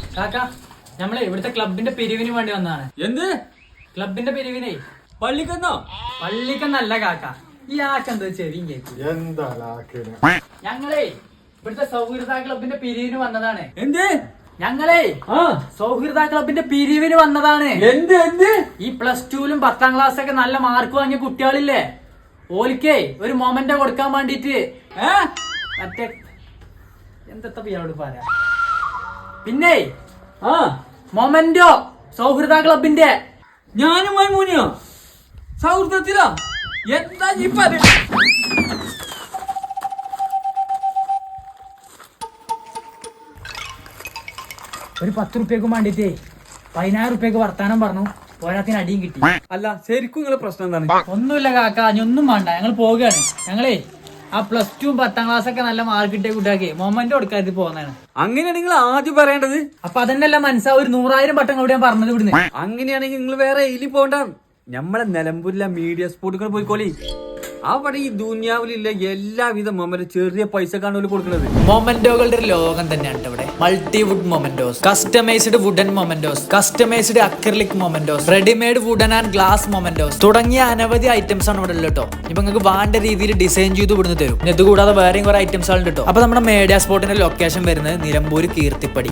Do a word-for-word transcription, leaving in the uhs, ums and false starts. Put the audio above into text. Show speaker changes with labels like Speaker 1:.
Speaker 1: കാക്ക നമ്മളെ ഇവിടുത്തെ ക്ലബിന്റെ പിരിവിന് വേണ്ടി വന്നതാണ്.
Speaker 2: എന്ത്
Speaker 1: ക്ലബിന്റെ പിരിവിനെ?
Speaker 2: പള്ളിക്കെന്നോ?
Speaker 1: പള്ളിക്കെന്നല്ല കാക്ക, ഈ ആക്കെന്താ ചെവിയും കേൾക്കും.
Speaker 3: എന്താ
Speaker 1: ഞങ്ങളേ ഇവിടുത്തെ സൗഹൃദ ക്ലബിന്റെ പിരിവിന് വന്നതാണ്.
Speaker 2: എന്ത്?
Speaker 1: ഞങ്ങളേ
Speaker 2: ആ
Speaker 1: സൗഹൃദ ക്ലബിന്റെ പിരിവിന് വന്നതാണ്.
Speaker 2: എന്ത് എന്ത്?
Speaker 1: ഈ പ്ലസ് ടുവിലും പത്താം ക്ലാസ് ഒക്കെ നല്ല മാർക്ക് വാങ്ങിയ കുട്ടികളില്ലേ, ഓലിക്കേ ഒരു മൊമെന്റോ കൊടുക്കാൻ വേണ്ടിട്ട് മറ്റേ എന്താ ഇയാളോട് പറയാ, പിന്നെ
Speaker 2: ആ
Speaker 1: മൊമെന്റോ സൗഹൃദ ക്ലബിന്റെ.
Speaker 2: ഞാനും മൈമൂനിയോ സൗഹൃദത്തിലോ? എന്താ ഈ പറ
Speaker 1: ഒരു പത്ത് റുപ്യക്ക് വേണ്ടിട്ടേ പതിനായിരം റുപ്യക്ക് വർത്താനം പറഞ്ഞു, പോരാത്തിന് അടിയും കിട്ടി.
Speaker 2: അല്ല ശരിക്കും നിങ്ങളെ പ്രശ്നം എന്താണ്?
Speaker 1: ഒന്നുമില്ല കാക്ക, ഇനി ഒന്നും വേണ്ട, ഞങ്ങൾ പോവുകയാണ്. ഞങ്ങളേ ആ പ്ലസ് ടു പത്താം ക്ലാസ് ഒക്കെ നല്ല മാർക്ക് കിട്ടിയ കുട്ടിയാക്കി മൊമെന്റ് കൊടുക്കാതെ പോകുന്നതാണ്.
Speaker 2: അങ്ങനെയാണ് നിങ്ങൾ ആദ്യം പറയേണ്ടത്.
Speaker 1: അപ്പൊ അതന്നെയല്ല മനസ്സാ, ഒരു നൂറായിരം വട്ടം കൂടി ഞാൻ പറഞ്ഞത് ഇവിടുന്ന്.
Speaker 2: അങ്ങനെയാണെങ്കിൽ നിങ്ങൾ വേറെ എലി പോണ്ട, നമ്മളെ നിലമ്പൂരിലെ മീഡിയ സ്പോട്ടുകൾ പോയിക്കോളി. അവിടെ ഈ ദുനിയാവിലുള്ള എല്ലാവിധ മൊമെന്റ് ചെറിയ പൈസക്കാണ് അവർ കൊടുക്കുന്നത്.
Speaker 1: മൊമെന്റോകളുടെ ഒരു ലോകം തന്നെയാണ് ഇവിടെ. Multi wood mementos, customized wooden mementos, customized acrylic mementos, readymade wooden and glass mementos തുടങ്ങിയ അനവധി ഐറ്റംസ് ആണ് ഇവിടെ ഉള്ളത് കേട്ടോ. ഇപ്പൊ നിങ്ങൾക്ക് വേണ്ട രീതിയിൽ ഡിസൈൻ ചെയ്ത് ഇവിടുന്ന് തരും. ഇത് കൂടാതെ വേറെയും കുറെ ഐറ്റംസ് ആണ് കേട്ടോ. അപ്പൊ നമ്മുടെ മീഡിയ സ്പോട്ടിന്റെ ലൊക്കേഷൻ വരുന്നത് നിലമ്പൂർ കീർത്തിപ്പടി.